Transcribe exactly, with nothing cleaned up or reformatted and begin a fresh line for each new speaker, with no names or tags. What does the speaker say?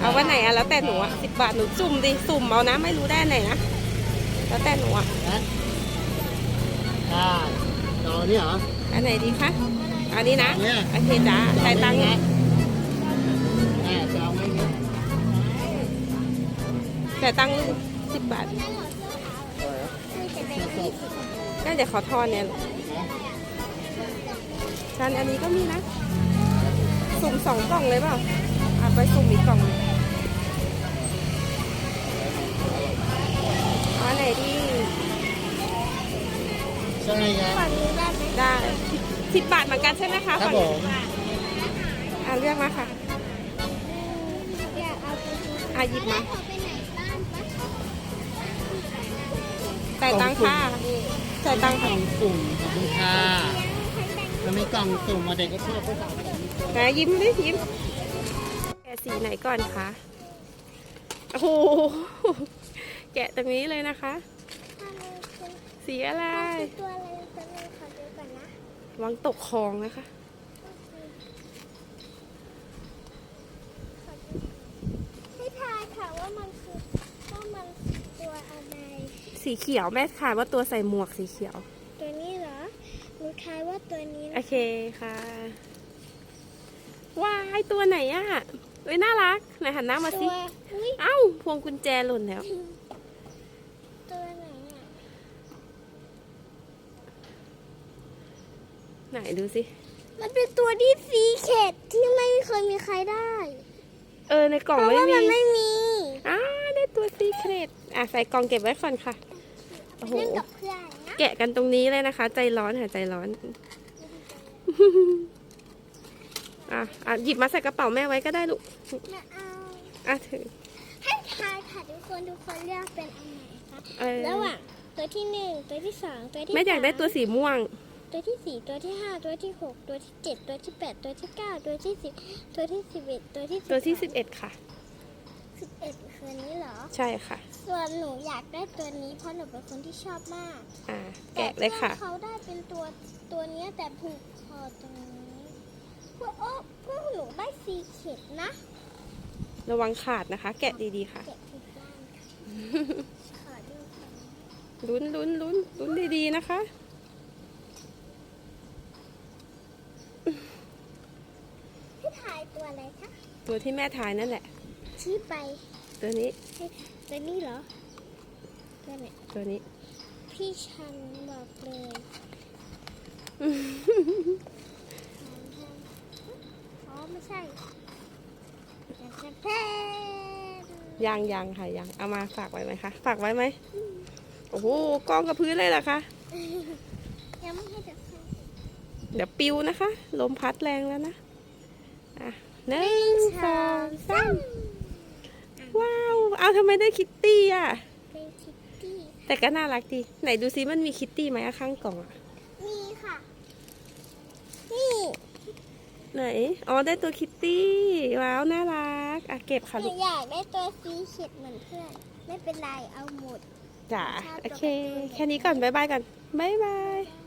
เอาวันไหนอะแล้วแต่หนูอะสิบบาทหนูสุ่มดิสุ่มเอานะไม่รู้ได้ไหนนะแล้วแต่หนูอะ
นะได้ต่อนี่เหรอ
อันไหนดีคะอันนี้นะ
เนี่ย
โอเคจ้าจ่ายตังค์
นะแม่จะเอาไหมเนี่ย
จ่ายตังค์สิบบาทก็เดี๋ยวขอทอนเนี่ยกันอันนี้ก็มีนะสุ่มสองกล่องเลยเปล่าอ่ะไปสุ่มอีกกล่องอันไหนดี
ใช่ไหมครับ
ได้สิบบาทเหมือนกันใช่ไหมคะ
ครับ
ฝั่ง
ผ
นี้
ม
อ่ะเลือกมาค่ะอ่ะหยิบมาจ่ายตังค่ะจ่ายตัง
ก
ค่ะ
ล่องสุ่มขอบคุณค่ะมันมีกล่องสุ่มมาเด็กก็ชอบก็สั่ง
ไหนยิ้มดิยิ้มแกะสีไหนก่อนคะโอ้โหแกะตรงนี้เลยนะคะ สีอะไร
ตัวอะไรจะมีขอดูก่อนนะ
วางตกคลองนะคะ
ให้ทายค่ะว่ามันคือว่ามันตัวอะไร
สีเขียวแม่ทายว่าตัวใส่หมวกสีเขียว
ตัวนี้เหรอหนูทายว่าตัวนี้
โอ
นะ
เคค่ะว้ายตัวไหนอะเอ้ยน่ารักไหนหันหน้ามา
ตั
สิ
วอุ้ย
เอ้าพวงกุญแจหล่นแล้ว
ตัวไหนอ่ะ
ไหนดูสิ
มันเป็นตัวที่สีเข็ดที่ไม่เคยมีใครได้
เออในกล่อง
เพราะ
ไม่
ว่า
มี
มันไม่มี
อ้าได้ตัวซีเครตอ่ะใส่กล่องเก็บไว้ก่อนค่ะโอ้โห
เล่นกับเพื่อนนะ
แกะกันตรงนี้เลยนะคะ ใจร้อนค่ะใจร้อน อ่ะอ่ะหยิบมาใส่กระเป๋าแม่ไว้ก็ได้ลูก
มาเอา
อ่ะถือ
ให้ทายค่ะทุกคนทุกคนเลือกเป็นอันไหนคะ
เออ
ระหว่างตัวที่หนึ่งตัวที่สองตัวที่
แม่อยากได้ตัว
สม
สีม่วง
ตัวที่สี่ตัวที่ห้าตัวที่หกตัวที่เจ็ดตัวที่แปดตัวที่เก้าตัวที่สิบตัวที่สิบเอ็ดตัวที่
ตัวที่สิบเอ็ดค่ะ
สิบเอ็ดคือนี้เหรอ
ใช่ค่ะ
ส่วนหนูอยากได้ตัวนี้เพราะหนูเป็นคนที่ชอบมาก
อ่าแกะเลยค่ะ
แต่เขาได้เป็นตัวตัวเนี้ยแต่ผูกคอตรงนี้พวกโอ้พวกหนูได้สีเข็ดนะ
ระวังขาดนะคะ แกะดีๆค่ะ
เก็บผิดด้านค่ะขอดูค่ะ
ลุ้นลุ้นลุ้นลุ้นดีๆนะคะ
ให้ถ่ายตัวอะไรคะ
ตัวที่แม่ทายนั่นแหละ
ชี้ไป
ตัวนี้
ให้ตัวนี้เหรอตัวไหน
ตัวนี้
พี่ชันบอกเลยอ๋อไม่ใช่แต่จะแพ้
ยังยังค่ะยังเอามาฝากไว้ไหมคะฝากไว้ไหมโอ้โหกองกับพื้นเลยเหรอคะ
ยังไม่ให้เด็กแพ้
เดี๋ยวปิวนะคะ ลมพัดแรงแล้วนะอ่ะหนึ่งสองสามว้าว เอาทำไมได้คิตตี้อ่ะ
เป็นคิตตี้
แต่ก็น่ารักดี ไหนดูซิมันมีคิตตี้ไหมอะข้างกล่องอะ
นี่ค่ะ นี่
ไหน อ๋อได้ตัวคิตตี้ ว้าว น่ารัก อ่ะเก็บค่ะ
ห
ลู
นู
ก
อยากได้ตัวสีเข็ดเหมือนเพื่อน ไม่เป็นไรเอาหมด
จ๋า โอเค แค่นี้ก่อน บ๊ายบายก่อน บ๊ายบาย
บ